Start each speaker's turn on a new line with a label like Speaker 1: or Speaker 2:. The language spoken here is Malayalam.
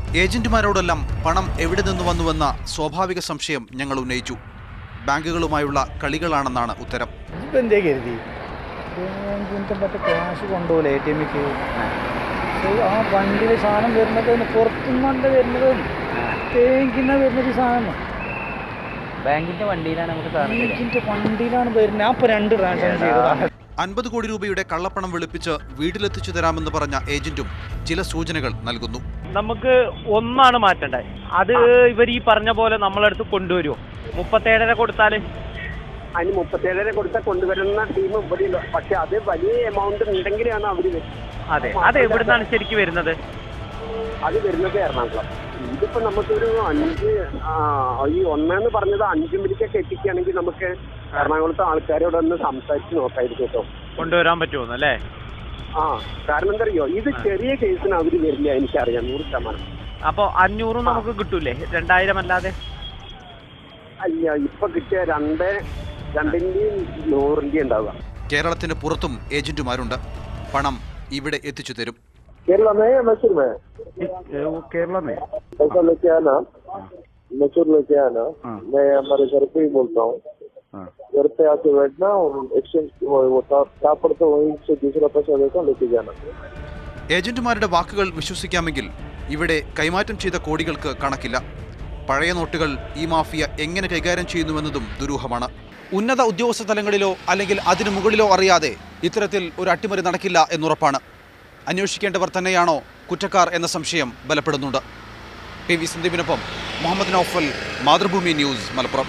Speaker 1: ഏജന്റുമാരോടെല്ലാം പണം എവിടെ നിന്ന് വന്നുവെന്ന സ്വാഭാവിക സംശയം ഞങ്ങൾ ഉന്നയിച്ചു. ബാങ്കുകളുമായുള്ള കളികളാണെന്നാണ് ഉത്തരം.
Speaker 2: ക്യാഷ് കൊണ്ടുപോലെ ATMക്ക് ആ വണ്ടിയിൽ സാധനം വരുന്നത് പുറത്തുനിന്നല്ല വരുന്നത്, ബാങ്കിന് വരുന്നത് സാധനം
Speaker 3: ബാങ്കിന്റെ വണ്ടിയിലാണ്
Speaker 2: വണ്ടിയിലാണ് വരുന്നത്. ഞാൻ ഇപ്പോൾ 2 ട്രാൻസാക്ഷൻ ചെയ്തതാണ്.
Speaker 1: 50 കോടി രൂപയുടെ കള്ളപ്പണം വെളുപ്പിച്ച് വീട്ടിലെത്തിച്ചു തരാമെന്ന് പറഞ്ഞ ഏജന്റും ചില സൂചനകൾ നൽകുന്നു.
Speaker 4: നമുക്ക് ഒന്നാണ് മാറ്റേണ്ടത്, അത് ഇവർ ഈ പറഞ്ഞ പോലെ നമ്മളടുത്ത് കൊണ്ടുവരുമോ? 37.5 കൊടുത്താല്
Speaker 5: അതിന് 37.5 കൊടുത്താൽ കൊണ്ടുവരുന്ന ടീം ഇവിടെ ഇല്ല. പക്ഷെ അത് വലിയ എമൗണ്ട് ഉണ്ടെങ്കിലാണ് അവര്.
Speaker 4: അത് എവിടുന്നാണ് ശരിക്കും വരുന്നത്?
Speaker 5: അത് വരുന്നത് എറണാകുളം. ഇതിപ്പോ നമുക്കൊരു 5 ഈ 1 പറഞ്ഞത് 5 മിനിറ്റൊക്കെ എത്തിക്കുകയാണെങ്കിൽ നമുക്ക് എറണാകുളത്തെ ആൾക്കാരോടൊന്ന് സംസാരിച്ച് നോക്കായിരിക്കും കേട്ടോ,
Speaker 4: കൊണ്ടുവരാൻ പറ്റുമോ അല്ലേ?
Speaker 5: കാരണം എന്താ അറിയോ, ഇത് ചെറിയ കേസിന് അവര് വരില്ല, എനിക്കറിയാം 100%.
Speaker 4: അപ്പൊ 500 നമുക്ക് കിട്ടൂലേ? 2000 അല്ലാതെ?
Speaker 5: അല്ല, ഇപ്പൊ കിട്ടിയ 2ന്റെയും 100ന്റെയും ഉണ്ടാവുക.
Speaker 1: കേരളത്തിന് പുറത്തും ഏജന്റുമാരുണ്ട്. പണം ഇവിടെ എത്തിച്ചു തരും.
Speaker 5: केरला में या मैसूर में?
Speaker 2: केरला में
Speaker 5: पैसा लेके आना, मैसूर लेके आना, मैं हमारे घर पे ही बोलता हूँ. घर पे आके बैठना और एक्सचेंज वो क्या पड़ता है वहीं से दूसरा पैसा देकर लेके जाना.
Speaker 1: ഏജന്റുമാരുടെ വാക്കുകൾ വിശ്വസിക്കാമെങ്കിൽ ഇവിടെ കൈമാറ്റം ചെയ്ത കോടികൾക്ക് കണക്കില്ല. പഴയ നോട്ടുകൾ ഈ മാഫിയ എങ്ങനെ കൈകാര്യം ചെയ്യുന്നുവെന്നതും ദുരൂഹമാണ്. ഉന്നത ഉദ്യോഗസ്ഥ തലങ്ങളിലോ അല്ലെങ്കിൽ അതിനു മുകളിലോ അറിയാതെ ഇത്തരത്തിൽ ഒരു അട്ടിമറി നടക്കില്ല എന്നുറപ്പാണ്. അന്വേഷിക്കേണ്ടവർ തന്നെയാണോ കുറ്റക്കാർ എന്ന സംശയം ബലപ്പെടുന്നുണ്ട്. PV സന്ദീപിനൊപ്പം മുഹമ്മദ് നൗഫൽ, മാതൃഭൂമി ന്യൂസ്, മലപ്പുറം.